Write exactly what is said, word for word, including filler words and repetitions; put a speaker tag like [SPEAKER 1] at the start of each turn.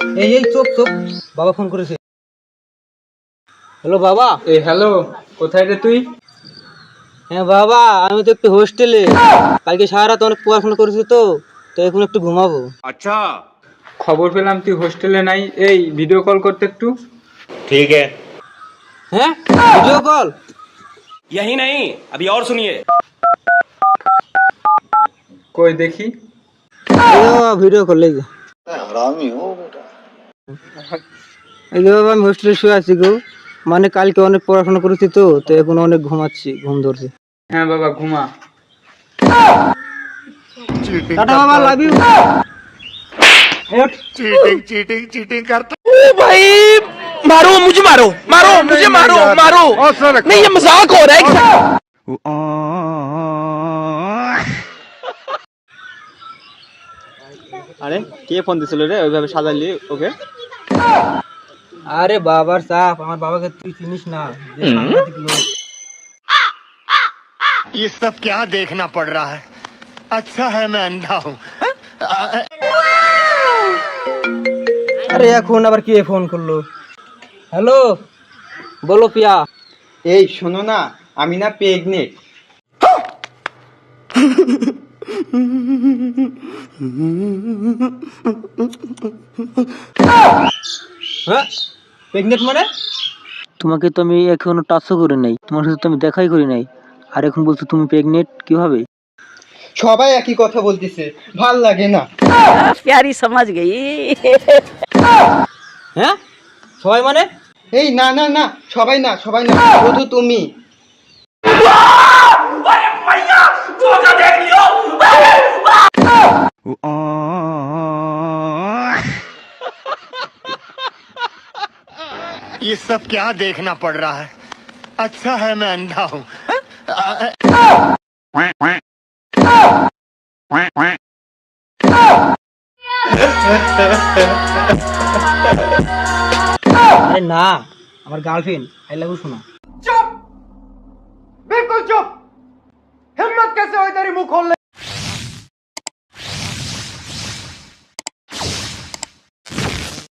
[SPEAKER 1] এই এই চুপ চুপ, বাবা ফোন করেছে। হ্যালো বাবা।
[SPEAKER 2] এই হ্যালো, কোথায় রে তুই?
[SPEAKER 1] হ্যাঁ বাবা, আমি তো একটু হোস্টেলে, কালকে সারা রাত অনেক পড়াশোনা করেছি তো তো এখন একটু ঘুমাবো।
[SPEAKER 2] আচ্ছা, খবর পেলাম তুই হোস্টেলে নাই। এই ভিডিও কল করতে একটু।
[SPEAKER 3] ठीक है।
[SPEAKER 1] হ্যাঁ, ভিডিও কল?
[SPEAKER 4] यही नहीं, अभी और सुनिए।
[SPEAKER 2] কই দেখি।
[SPEAKER 1] ভিডিও কল এই যে। এই যে বাবা, আমি হোস্টেলে শুয়ে আছি গো, মানে কালকে অনেক পড়াশোনা করেছি তো তো এখন অনেক ঘুমাচ্ছি, ঘুম ধরছে।
[SPEAKER 2] হ্যাঁ বাবা, ঘুমা।
[SPEAKER 1] টাটা বাবা, love you.
[SPEAKER 3] Cheating cheating cheating करता।
[SPEAKER 4] भाई मारो मुझे, मारो मारो मुझे, मारो मारो। नहीं, ये मजाक हो रहा है क्या?
[SPEAKER 5] আরে কে ফোন দিছিল রে ওইভাবে সাজালি ওকে?
[SPEAKER 1] আরে বাবার সাপ, আমার বাবাকে তুই চিনিস না, যে সাংঘাতিক লোক।
[SPEAKER 3] ये सब क्या देखना पड़ रहा है? अच्छा है मैं अंधा हूँ।
[SPEAKER 1] আরে এখন আবার কে ফোন করলো? হ্যালো, বলো পিয়া।
[SPEAKER 5] এই শোনো না, আমি না প্রেগনেন্ট।
[SPEAKER 1] হ্যাঁ, প্রেগনেন্ট মানে? তোমাকে তো আমি এখনো টাচও করি নাই, তোমার সাথে তো আমি দেখাই করি নাই, আর এখন বলছো তুমি প্রেগনেন্ট কিভাবে?
[SPEAKER 5] সবাই একই কথা বলতেছে, ভাল লাগে না।
[SPEAKER 6] प्यारी समझ गई।
[SPEAKER 1] হ্যাঁ, সবাই মানে?
[SPEAKER 5] এই না না না, সবাই না, সবাই না, শুধু তুমি।
[SPEAKER 3] ये सब क्या देखना पड़ रहा है? अच्छा है मैं अंधा हूँ।
[SPEAKER 1] আরে না, আমার গার্লফ্রেন্ড, আই লাভ ইউ শোনা।
[SPEAKER 7] बिल्कुल चुप। हिम्मत कैसे हुई तेरी मुंह खोलने